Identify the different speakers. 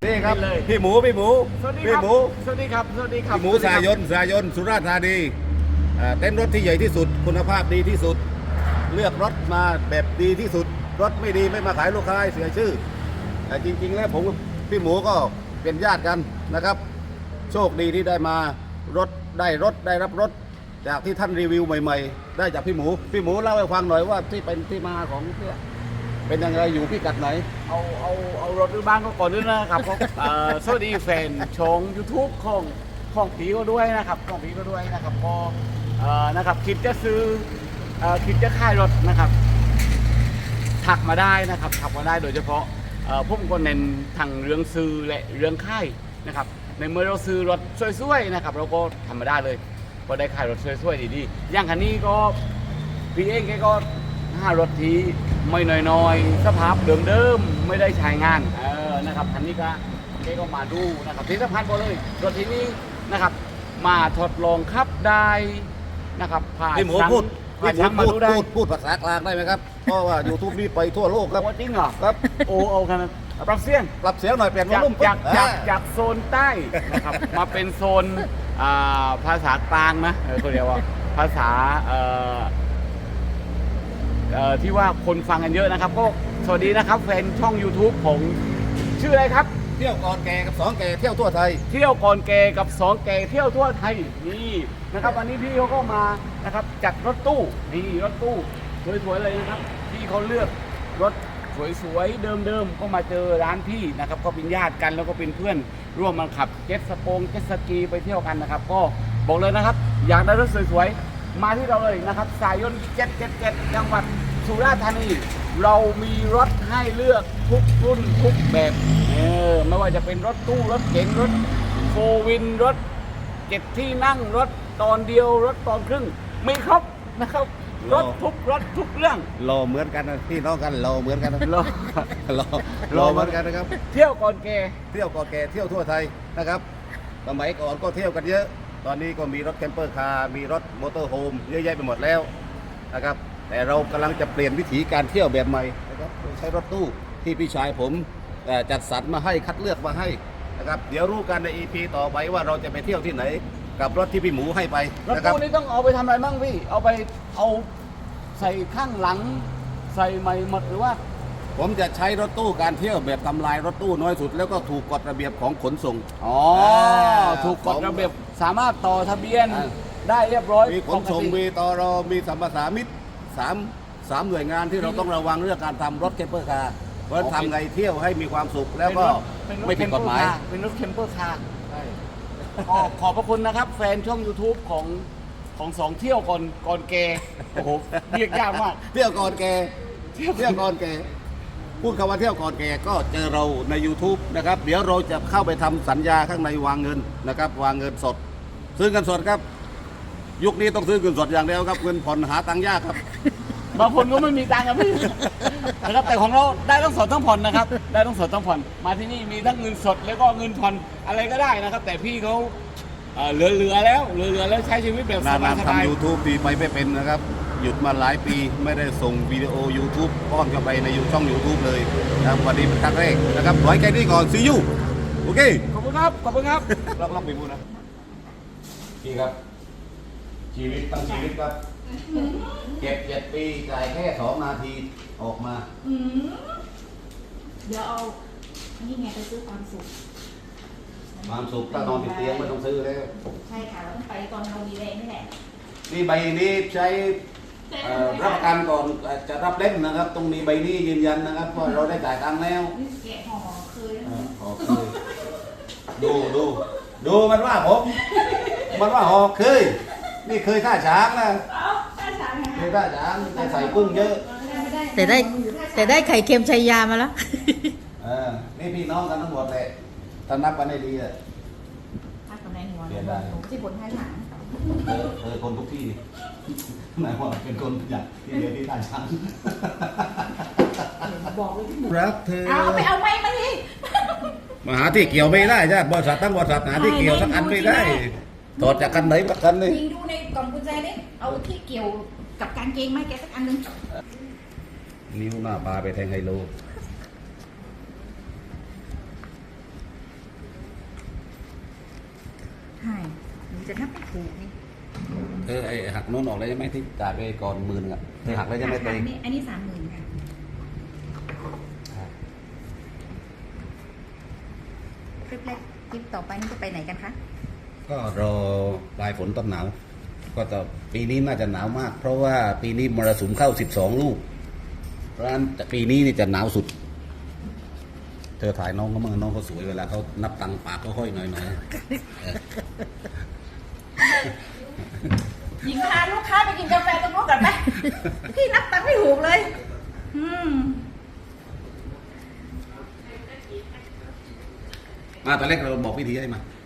Speaker 1: นี่ครับ
Speaker 2: เลย
Speaker 1: พี่หมู
Speaker 2: สวัสดี
Speaker 1: พี่
Speaker 2: ครับ
Speaker 1: หมู
Speaker 2: สวัสดีครับสวัสดีครับ
Speaker 1: พี่หมูสายนสุราษฎร์ธานีเต้นรถที่ใหญ่ที่สุดคุณภาพดีที่สุด เลือกรถมาแบบดีที่สุด รถไม่ดีไม่มาขายลูกค้าให้เสียชื่อแต่จริงๆแล้วผมกับพี่หมูก็เป็นญาติกันนะครับ โชคดีที่ได้มารถได้รับรถจากที่ท่านรีวิวใหม่ๆ ได้จากพี่หมูเล่าให้ฟังหน่อยว่าที่เป็นที่มาของเพื่อเป็นยังไงอยู่พิกัดไหน
Speaker 2: เอารถหรือบ้านก็ก่อนด้วยนะครับก็สวัสดีแฟนช่อง YouTube ของผีก็ด้วยนะครับของผีก็ด้วยนะครับก็นะครับคิดจะซื้อคิดจะขายรถนะครับถักมาได้นะครับถักมาได้โดยเฉพาะผมก็เน้นทางเรื่องซื้อและเรื่องค่ายนะครับในเมื่อเราซื้อรถสวยๆนะครับเราก็ทำมาได้เลยก็ได้ขายรถสวยๆดีๆอย่างคันนี้ก็พี่เองแกก็รถที่ไม่น้อยๆสภาพเดิมๆไม่ได้ใช้งานนะครับคันนี้ก็มาดูนะครับที่สำคัญก็เลยรถที่นี้นะครับมาทดลองขับได้นะครับผ่าน
Speaker 1: พี่หมู
Speaker 2: ช่าง
Speaker 1: พูด
Speaker 2: ผ่านช่างมาดูได้
Speaker 1: พูดภาษากลางได้ไหมครับ เพราะว่า YouTube นี่ไปทั่วโลกครับ
Speaker 2: โอ้จริงเหรอ
Speaker 1: ครับ
Speaker 2: โอ้เอากันปรับเสียง
Speaker 1: ปรับเสียงหน่อยเปลี่ยนวอลลุ่ม
Speaker 2: จากโซนใต้นะครับ มาเป็นโซนภาษากลางนะเขาเรียกว่าภาษาที่ว่าคนฟังกันเยอะนะครับก็สวัสดีนะครับแฟนช่อง YouTube ผมชื่ออะไรครับ
Speaker 1: เที่ยวก่อนแก่กับ2แก่เที่ยวทั่วไทย
Speaker 2: เที่ยวก่อนแกกับ2แกเที่ยวทั่วไทยนี่นะครับวันนี้พี่เขาก็มานะครับจัดรถตู้นี่รถตู้สวยๆเลยนะครับพี่เขาเลือกรถสวยๆเดิมๆก็มาเจอร้านพี่นะครับก็เป็นญาติกันแล้วก็เป็นเพื่อนร่วมมาขับเจ็ตสกีไปเที่ยวกันนะครับก็บอกเลยนะครับอยากได้รถสวยๆมาที่เราเลยนะครับสายน777จังหวัดสุราษฎร์ธานีเรามีรถให้เลือกทุกรุ่นทุกแบบไม่ว่าจะเป็นรถตู้รถเก๋งรถโฟวินรถ7ที่นั่งรถตอนเดียวรถตอนครึ่งมีครบนะครับรถทุกเรื่อง
Speaker 1: รอเหมือนกันนะพี่น้องกันรอเหมือนกันนะ
Speaker 2: รอ
Speaker 1: รอเหมือนกันนะครับ
Speaker 2: เที่ยวก่อนแก
Speaker 1: เที่ยวก่อนแก่เที่ยวทั่วไทยนะครับสมัยก่อนก็เที่ยวกันเยอะ ตอนนี้ก็มีรถแคมเปอร์คาร์มีรถมอเตอร์โฮมเยอะแยะไปหมดแล้วนะครับแต่เรากำลังจะเปลี่ยนวิถีการเที่ยวแบบใหม่นะครับโดยใช้รถตู้ที่พี่ชายผมจัดสรรมาให้คัดเลือกมาให้นะครับเดี๋ยวรู้กันใน EP ต่อไปว่าเราจะไปเที่ยวที่ไหนกับรถที่พี่หมูให้ไป
Speaker 2: รถ
Speaker 1: นะครับ
Speaker 2: ตู้นี่ต้องเอาไปทำอะไรบ้างพี่เอาใส่ข้างหลังใส่ใหม่หมดหรือว่า
Speaker 1: ผมจะใช้รถตู้การเที่ยวแบบทำลายรถตู้น้อยสุด แล้วก็ถูกกฎระเบียบของขนส่ง
Speaker 2: ถูกกฎระเบียบสามารถต่อทะเบียน
Speaker 1: อ่า
Speaker 2: ได้เรียบร้อย
Speaker 1: มีขนส่ง
Speaker 2: ปกติ
Speaker 1: มีตรมีสัมปทานมิตรสามหน่วยงานที่เราต้องระวังเรื่องการทำรถแคมเปอร์คาร์เพราะฉะนั้นทำไงเที่ยวให้มีความสุขแล้วก็ไม่ผิดกฎหมาย
Speaker 2: เป็นรถแคมเปอร์คาร์ก็ขอบพระคุณนะครับ แฟนช่อง YouTube ของสองเที่ยวก่อนแกโอ้โหเรียกยากมาก
Speaker 1: เที่ยวก่อนแกเที่ยวก่อนแกพูดคำว่าเที่ยวก่อนแกก็เจอเราใน YouTube นะครับเดี๋ยวเราจะเข้าไปทำสัญญาข้างในวางเงินนะครับวางเงินสด ซื้อเงินสดครับ ยุคนี้ต้องซื้อเงินสดอย่างเดียวครับเงินผ่อนหาตังค์ยากครับ
Speaker 2: บางคนก็ไม่มีตังค์ครับพี่นะครับแต่ของเราได้ทั้งสดทั้งผ่อนนะครับได้ทั้งสดทั้งผ่อนมาที่นี่มีทั้งเงินสดแล้วก็เงินผ่อนอะไรก็ได้นะครับ แต่พี่เขาเหลือแล้วใช้ชีวิตแบบส
Speaker 1: นาน
Speaker 2: บาย
Speaker 1: ๆ
Speaker 2: สบาย
Speaker 1: ทำ YouTube ปีไปไม่เป็นนะครับ หยุดมาหลายปีไม่ได้ส่งวิดีโอ YouTube ป้อนเข้าไปในช่อง YouTube เลยนะครับวันนี้เป็นครั้งแรกนะครับไว้แค่นี้ก่อนซียูโอเค
Speaker 2: ขอบคุณครับ
Speaker 1: ลองไปพูดนะพี่ครับ ชีวิตตั้งชีวิตครับเก็บ7 ปีจ่ายแค่2 นาทีออกมา
Speaker 3: เดี๋ยวเอาอันนี้ไงไปซื้อความสุข
Speaker 1: ความสุขถ้านอนติดเตียงไม่ต้องซื้อแล้ว
Speaker 3: ใช่ค่ะเราต้องไปตอนเรามีแรงนี่แหละ
Speaker 1: นี่ใบนี้ใช้รับประกันก่อนจะรับเล่มนะครับต้องมีใบนี้ยืนยันนะครับว่าเราได้จ่ายตังค์แล้ว
Speaker 3: นี่แกะห่อเคยแล้ว
Speaker 1: หอกเคยดูมันว่าผมมันว่าหอกเคยนี่เคยท่าช้างนะ
Speaker 3: เอ้าถ้าช้างไง
Speaker 1: เคยท่าช้างได้ใส่กุ้งเยอะ
Speaker 3: แต่ได้ไข่เค็มชัยยามาแล้ว
Speaker 1: นี่พี่น้องกันทั้งหมดเลยถ้านับกันได้ดีอะ
Speaker 3: พักกับนายหัว
Speaker 1: เปลี่ยนได้
Speaker 3: หนูที่บนท้ายหนัง
Speaker 1: คนทุกที่หมายว่าเป็นคนอย่างที่เดียวที่ท่าช้าง
Speaker 3: บอกเลยที่หนู
Speaker 1: รักเธอ
Speaker 3: เอาไปเอาไม้มาดิ
Speaker 1: มาหาที่เกี่ยวไม่ได้ใช่บริษัทตั้งบริษัทหาที่เกี่ยวสักอันไม่ได้ถอดจากกันไหนสักกันเลย
Speaker 3: ยิงดูในกล่องกุญแจนี่เอาที่เกี่ยวกับกางเกงไม้แกสักอันหนึง
Speaker 1: นิ้วหน้าปลาไปแทงไฮโล
Speaker 3: จะนับไม่ถูกนี่
Speaker 1: เธอไอ้หักโน้นออกแล้วใช่ไหมที่จ่ายไปก่อน10,000อ่ะเธอหักแล้วใช่ไหมตัวเอง
Speaker 3: นี่อันนี้30,000ค่ะคลิปแรกคลิปต่อไปนี่จะไปไหนกันคะ
Speaker 1: ก็รอปลายฝนต้นหนาวก็จะปีนี้น่าจะหนาวมาก เพราะว่าปีนี้มรสุมเข้า12 ลูกเพราะฉะนั้นปีนี้นี่จะหนาวสุด เธอถ่ายน้องเขามั่งน้องเขาสวยเวลาเขานับตังค์ปากก็ห้อยหน่อยๆ
Speaker 3: หญิงพาลูกค้าไปกินกาแฟตรงนู้นก่อนไหม พี่นับตังค์ไม่ถูกเลย
Speaker 1: มาตอนแรกเราบอกวิธีให้มา